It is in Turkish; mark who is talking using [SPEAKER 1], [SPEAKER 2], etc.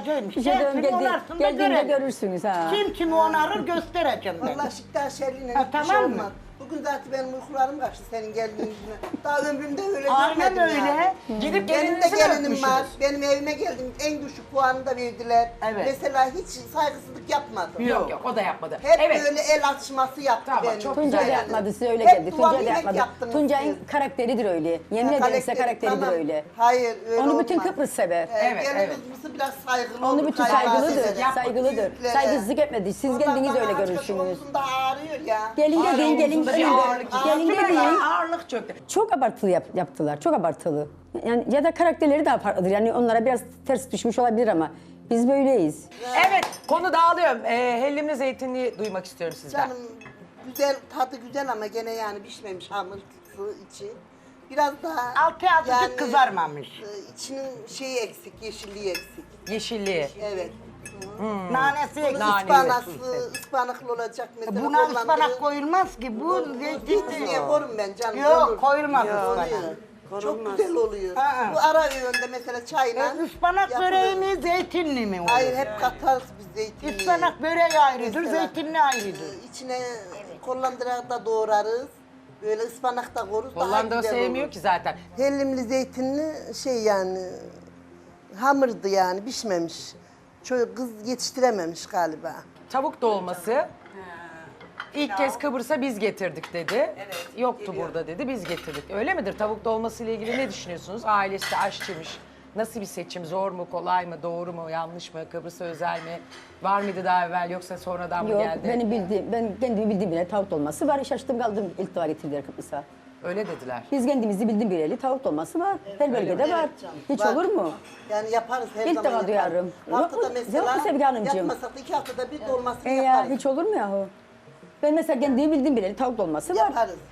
[SPEAKER 1] onaracağım.
[SPEAKER 2] Bir şey
[SPEAKER 1] Kim
[SPEAKER 2] geldi,
[SPEAKER 1] onarsın da
[SPEAKER 2] geldiğinde
[SPEAKER 1] görelim.
[SPEAKER 2] görürsünüz ha.
[SPEAKER 1] Kim kimi onarır göstereceğim ben.
[SPEAKER 3] Vallahi şikayet şerliğine
[SPEAKER 1] Ha,
[SPEAKER 3] hiçbir
[SPEAKER 1] tamam
[SPEAKER 3] şey
[SPEAKER 1] mı?
[SPEAKER 3] olmaz. Bugün zaten benim uykularım kaçtı senin geldiğin yüzüne. Daha ömrümde öyle
[SPEAKER 1] Aynen
[SPEAKER 3] görmedim
[SPEAKER 1] öyle.
[SPEAKER 3] yani.
[SPEAKER 4] Gidip
[SPEAKER 3] Benim de
[SPEAKER 4] gelinizi mi
[SPEAKER 3] gelinim
[SPEAKER 4] öpmüşsünüz?
[SPEAKER 3] var. Benim evime geldim. En düşük puanı da verdiler.
[SPEAKER 1] Evet.
[SPEAKER 3] Mesela hiç saygısızlık yapmadım.
[SPEAKER 4] Yok o da yapmadı.
[SPEAKER 3] Hep
[SPEAKER 4] Evet.
[SPEAKER 3] böyle el atışması yaptı
[SPEAKER 4] Tamam,
[SPEAKER 3] benim.
[SPEAKER 4] çok
[SPEAKER 2] Tuncay da
[SPEAKER 4] güzel.
[SPEAKER 2] yapmadı, size öyle
[SPEAKER 3] Hep
[SPEAKER 2] geldi.
[SPEAKER 3] duvar
[SPEAKER 2] Tuncay da
[SPEAKER 3] yemek
[SPEAKER 2] yapmadı.
[SPEAKER 3] yaptınız
[SPEAKER 2] Tuncay'ın
[SPEAKER 3] siz.
[SPEAKER 2] karakteridir öyle. Yemin ederim size karakteridir
[SPEAKER 3] tamam.
[SPEAKER 2] öyle.
[SPEAKER 3] Hayır öyle
[SPEAKER 2] Onu bütün
[SPEAKER 3] olmaz.
[SPEAKER 2] Kıbrıs sever.
[SPEAKER 4] Evet,
[SPEAKER 3] Gelin
[SPEAKER 4] evet.
[SPEAKER 3] kızımızı biraz saygılı
[SPEAKER 2] Onu
[SPEAKER 3] olur,
[SPEAKER 2] bütün
[SPEAKER 3] saygılı
[SPEAKER 2] saygılıdır,
[SPEAKER 3] eder.
[SPEAKER 2] saygılıdır.
[SPEAKER 3] Büyüklere.
[SPEAKER 2] Saygısızlık etmedi. Siz
[SPEAKER 3] Vallahi
[SPEAKER 2] kendiniz
[SPEAKER 3] bana
[SPEAKER 2] öyle
[SPEAKER 3] aç başı
[SPEAKER 2] görürsünüz.
[SPEAKER 3] omzumda ağrıyor ya.
[SPEAKER 2] Gelin de deyin, gelin
[SPEAKER 4] Omzunda bir
[SPEAKER 2] gelin
[SPEAKER 4] ağırlık.
[SPEAKER 2] de. Gelin de
[SPEAKER 4] Kime
[SPEAKER 2] deyin.
[SPEAKER 4] ya? Ağırlık çöktü.
[SPEAKER 2] Çok abartılı yaptılar, çok abartılı. Yani ya da karakterleri daha farklıdır. Yani onlara biraz ters düşmüş olabilir ama biz böyleyiz.
[SPEAKER 4] Evet konu dağılıyorum. Hellimli zeytinliği duymak istiyorum sizden.
[SPEAKER 3] Canım güzel, tadı güzel ama gene yani pişmemiş hamursu içi. Biraz daha...
[SPEAKER 1] Altı azıcık kızarmamış.
[SPEAKER 3] İçinin şeyi eksik, yeşilliği eksik.
[SPEAKER 4] Yeşilliği.
[SPEAKER 3] Evet.
[SPEAKER 1] Nanesi
[SPEAKER 3] Bunun
[SPEAKER 1] eksik.
[SPEAKER 3] ıspanaklı olacak mesela.
[SPEAKER 1] Buna
[SPEAKER 3] Hollanda'da-
[SPEAKER 1] ıspanak koyulmaz ki. Bu
[SPEAKER 3] Zeytinliğe
[SPEAKER 1] zeytin.
[SPEAKER 3] korum ben canım.
[SPEAKER 1] Yok
[SPEAKER 3] olur.
[SPEAKER 1] koyulmaz
[SPEAKER 3] Oluyor.
[SPEAKER 1] ıspanak.
[SPEAKER 3] Çok güzel oluyor.
[SPEAKER 1] Aa.
[SPEAKER 3] Bu ara öğünde mesela çayla...
[SPEAKER 1] Ispanak
[SPEAKER 3] yapılır.
[SPEAKER 1] böreği mi zeytinli mi olur?
[SPEAKER 3] Hayır hep katarız biz zeytinliği.
[SPEAKER 1] Ispanak böreği ayrıdır,
[SPEAKER 3] Mesela,
[SPEAKER 1] zeytinli ayrıdır.
[SPEAKER 3] İçine kollandırarak da doğrarız. Böyle ıspanak da koruz. daha
[SPEAKER 4] Hollanda
[SPEAKER 3] güzel
[SPEAKER 4] sevmiyor
[SPEAKER 3] olur.
[SPEAKER 4] ki zaten.
[SPEAKER 3] Hellimli zeytinli şey yani hamurdu yani pişmemiş. Çocuk kız yetiştirememiş galiba.
[SPEAKER 4] Tavuk dolması. İlk kez Kıbrıs'a biz getirdik dedi. Yoktu burada dedi, biz getirdik. Öyle midir? Tavuk dolması ile ilgili ne düşünüyorsunuz? Ailesi aşçıymış. Nasıl bir seçim? Zor mu, kolay mı, doğru mu, yanlış mı? Kıbrıs'a özel mi? Var mıydı daha evvel yoksa sonradan mı
[SPEAKER 2] Yok,
[SPEAKER 4] geldi?
[SPEAKER 2] ben kendimi bildiğim bile tavuk dolması var. Şaştım kaldım ilk defa getirdiler Kıbrıs'a.
[SPEAKER 4] Öyle dediler.
[SPEAKER 2] Biz kendimizi bildiğim bileli tavuk dolması var. Her bölgede var. Hiç
[SPEAKER 3] Var.
[SPEAKER 2] olur mu?
[SPEAKER 3] Yani yaparız her
[SPEAKER 2] İlk
[SPEAKER 3] zaman
[SPEAKER 2] defa
[SPEAKER 3] yaparız.
[SPEAKER 2] duyarım. Yok
[SPEAKER 3] Haftada
[SPEAKER 2] mu?
[SPEAKER 3] mesela
[SPEAKER 2] Yok mu Sevgi Hanımcığım?
[SPEAKER 3] yapmasak da 2 haftada bir dolmasını
[SPEAKER 2] Ya
[SPEAKER 3] yaparız.
[SPEAKER 2] hiç olur mu yahu? Ben mesela kendimi bildiğim bileli tavuk dolması var.
[SPEAKER 3] Yaparız.